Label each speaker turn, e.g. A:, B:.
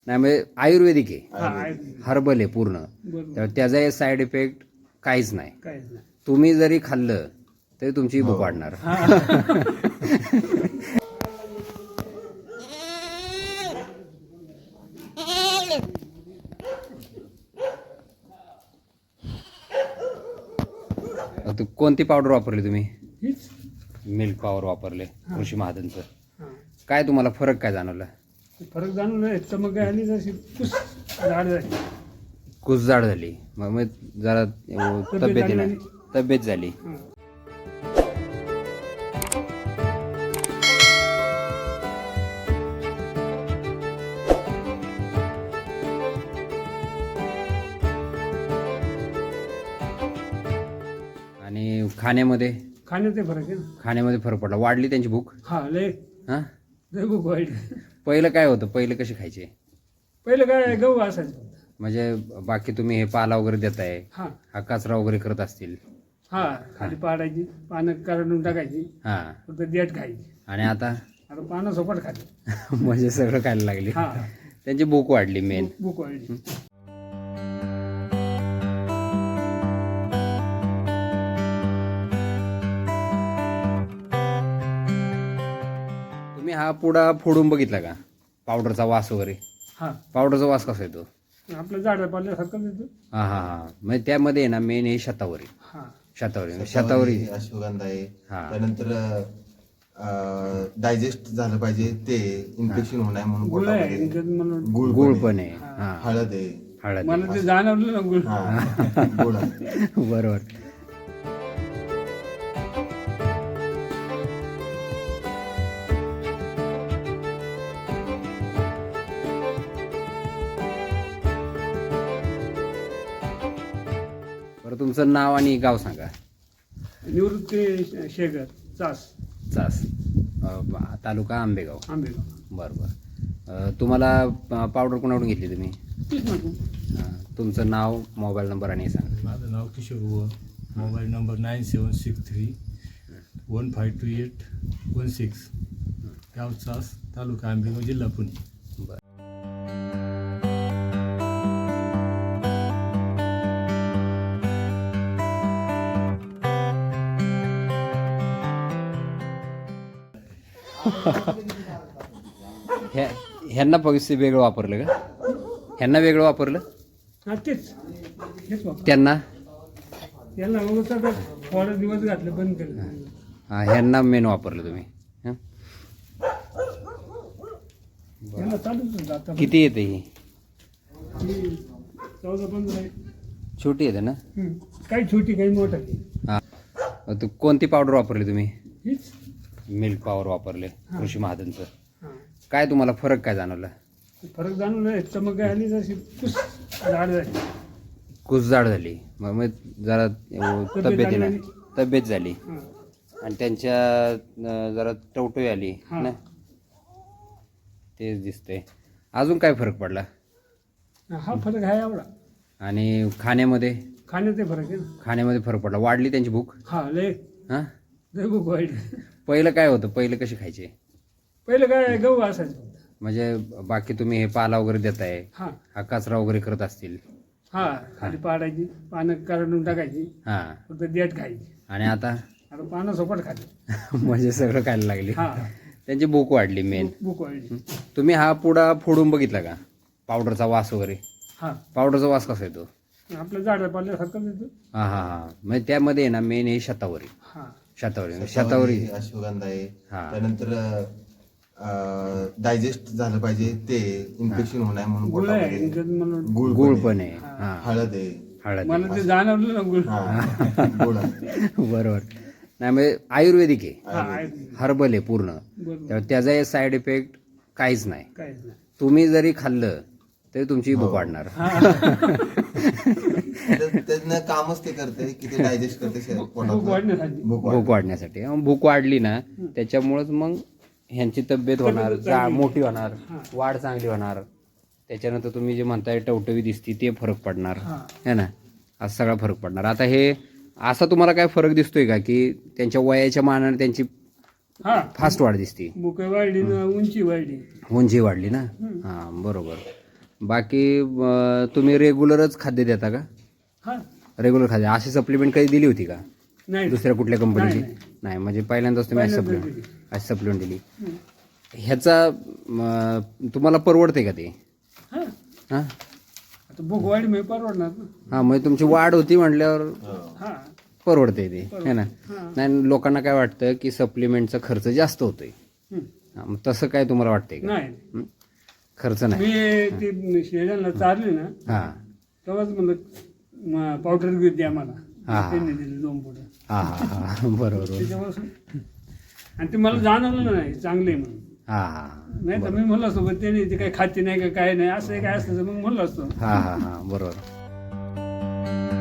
A: नाही म्हणजे आयुर्वेदिक आहे,
B: आयुर्वेदिक.
A: हर्बल आहे पूर्ण.
B: बरोबर.
A: तर त्याचा साईड इफेक्ट काहीच नाही.
B: काहीच नाही.
A: तुम्ही जरी खाल्लं तरी तुमची भूक वाढणार. कोणती पावडर वापरली तुम्ही?
B: हीच.
A: मिल्क पॉवर वापरले कृषी महाजनचं.
B: हा.
A: काय तुम्हाला फरक काय जाणवला?
B: फरक जाणवलं. चमक आली जशी कुस झाड झाली.
A: कुस जाड झाली, मग जरा तब्येतीने
B: झाली.
A: तब्येत झाली.
B: हा.
A: आणि खाण्यामध्ये
B: खाण्याचे फरक आहे ना.
A: खाण्यामध्ये फरक पडला, वाढली त्यांची भूक.
B: हा लय
A: हा,
B: लय भूक वाईट.
A: पहिलं काय होतं, पहिलं कसे खायचे?
B: पहिलं काय गहू असायचं.
A: म्हणजे बाकी तुम्ही हे पाला वगैरे देताय,
B: हा
A: हा कचरा वगैरे करत असतील.
B: हा खाली पाडायची, पानं काढून टाकायची,
A: हा,
B: फक्त देठ खायची.
A: आणि आता
B: आता पानं सोपट खाली.
A: म्हणजे सगळं खायला लागली.
B: हा
A: त्यांची भूक वाढली मेन.
B: भूक वाढली.
A: तुम्ही हा पुडा फोडून बघितला का? पावडरचा वास वगैरे,
B: हा
A: पावडरचा वास कसा येतो?
B: आपलं झाड पाल्यासारखं देतो.
A: हा हा हा, म्हणजे त्यामध्ये आहे ना मेन हे शतावरी.
B: हा
A: शतावरी
C: अश्वगंधा आहे.
A: हा.
C: त्यानंतर डायजेस्ट झालं पाहिजे ते, इन्फेक्शन होणार म्हणून
B: गुळ आहे
C: पोटामध्ये.
B: त्याच्यात म्हणून.
A: गुळ पण आहे.
B: हा.
A: हा,
C: हळद आहे.
A: हळद
B: मला ते जाणवलं ना गुळ.
C: हा गुळ आहे.
A: बरोबर. बरं, तुमचं नाव आणि गाव सांगा.
B: निवृत्ती शेगर चास
A: चास, तालुका आंबेगाव.
B: आंबेगाव.
A: बरं बरं. तुम्हाला पावडर कोणाकडून घेतली तुम्ही?
B: तीच म्हणतो.
A: तुमचं नाव, मोबाईल नंबर आणि हे सांगा.
D: माझं नाव किशोर बुवा. Mobile number 9763 152816. गाव चास, तालुका आंबेगाव, जिल्हा पुणे.
A: बरं. ह्यांना पैसे वेगळं वापरलं का? ह्यांना वेगळं वापरलं,
B: हा तेच हेच वापर.
A: त्यांना?
B: याला अगोदर थोडे दिवस घातले, बंद केलं.
A: हा, ह्यांना मेन वापरलं तुम्ही. हं?
B: याला चालूच होतं आता.
A: किती येते ही?
B: 14-15 आहे.
A: छोटी येते ना?
B: काही छोटी काही मोठा.
A: हा. तू कोणती पावडर वापरली तुम्ही?
B: हीच.
A: मिल्क पॉवर वापरले कृषी महाजनचं.
B: हा.
A: काय तुम्हाला फरक काय जाणवला?
B: फरक जाणवलं. चमक आली जशी कुस झाड झाली.
A: कुस जाड झाली, मग जरा तब्येतीने
B: झाली.
A: तब्येत झाली.
B: हा.
A: आणि त्यांच्या जरा टवटवी आली
B: हा.
A: ना, तेच दिसतंय. अजून काय फरक पडला?
B: हा फरक आहे एवढा.
A: आणि खाण्यामध्ये
B: खाण्याचे फरक आहे ना.
A: खाण्यामध्ये फरक पडला, वाढली त्यांची भूक.
B: हा लय
A: हा,
B: लय भूक वाईट.
A: पहिलं काय होतं, पहिलं कसे खायचे?
B: पहिलं काय गहू असायचं.
A: म्हणजे बाकी तुम्ही हे पाला वगैरे देताय,
B: हा
A: हा कचरा वगैरे करत असतील.
B: हा खाली पाडायची, पानं काढून टाकायची,
A: हा,
B: फक्त देठ खायची.
A: आणि आता
B: आता पानं सोपट खाली.
A: म्हणजे सगळं खायला लागली.
B: हा
A: त्यांची भूक वाढली मेन.
B: भूक वाढली.
A: तुम्ही हा पुडा फोडून बघितला का? पावडरचा वास वगैरे,
B: हा
A: पावडरचा वास कसा येतो?
B: आपलं झाड पाल्यासारखं देतो.
A: हा हा हा, म्हणजे त्यामध्ये आहे ना मेन हे शतावरी.
B: हा
A: शतावरी.
C: अश्वगंधा आहे.
A: हा.
C: त्यानंतर डायजेस्ट झालं पाहिजे ते, इन्फेक्शन होणार म्हणून
B: गुळ आहे
C: पोटामध्ये.
B: त्याच्यात म्हणून.
A: गुळ पण आहे.
B: हा.
A: हा,
C: हळद आहे.
A: हळद
B: मला ते जाणवलं ना गुळ.
C: हा गुळ आहे.
A: आहे. बरोबर. नाही म्हणजे आयुर्वेदिक आहे,
B: हा आहे.
A: हर्बल आहे पूर्ण.
B: बरोबर.
A: तर त्याचा साईड इफेक्ट काहीच नाही.
B: काहीच नाही.
A: तुम्ही जरी खाल्लं तरी तुमची भूक वाढणार.
C: त्यानं कामच ते करते की ते डायजेस्ट करते
B: भूक
C: पोटात.
B: वाढण्यासाठी.
A: भूक वाढण्यासाठी. मग भूक वाढली ना, त्याच्यामुळेच मग ह्यांची तब्येत होणार, मोठी होणार, वाढ चांगली होणार. त्याच्यानंतर तुम्ही जे म्हणताय टवटवी दिसती, ते फरक पडणार है ना, असा सगळा फरक पडणार. आता हे असा तुम्हाला काय फरक दिसतोय का, की त्यांच्या वयाच्या मानाने त्यांची फास्ट वाढ दिसते?
B: भूक वाढली ना, उंची वाढली.
A: उंची वाढली ना. हां बरोबर. बाकी तुम्ही रेग्युलरच खाद्य देता का?
B: हा
A: रेग्युलर खाद्य अशी सप्लिमेंट कधी दिली होती का
B: नाही
A: दुसऱ्या कुठल्या कंपनीची?
B: नाही.
A: नाही म्हणजे पहिल्यांदाच तुम्ही अशी
B: पहिल्यांदाच
A: सप्लिमेंट दिली. ह्याचा तुम्हाला परवडते का ते?
B: हा
A: हां
B: आता भोगवाडी मी परवडणार ना.
A: हां म्हणजे तुमची वाढ होती म्हटल्यावर
B: हा
A: परवडते ते है ना.
B: हा.
A: नाही लोकांना काय वाटतं की सप्लिमेंटचा खर्च जास्त होतोय.
B: हं.
A: हां, मग तसं काय तुम्हाला वाटतंय का?
B: नाही
A: हं? खर्च नाही.
B: मी ती शेळ्यांना चारली ना
A: हां
B: तेव्हाच म्हणलं पावडर घेऊन द्या मला.
A: हा.
B: त्यांनी दिले 2 पुढं
A: हां हां हां बरोबर.
B: त्याच्यापासून आणि ते मला जाणवलं नाही चांगले म्हणून.
A: हां हां
B: नाही तर मी म्हणलं असतो पण त्यांनी ते काही खाते नाही का काय नाही असं काय असतं तर मग म्हणलं असतं.
A: हां हां हां बरोबर.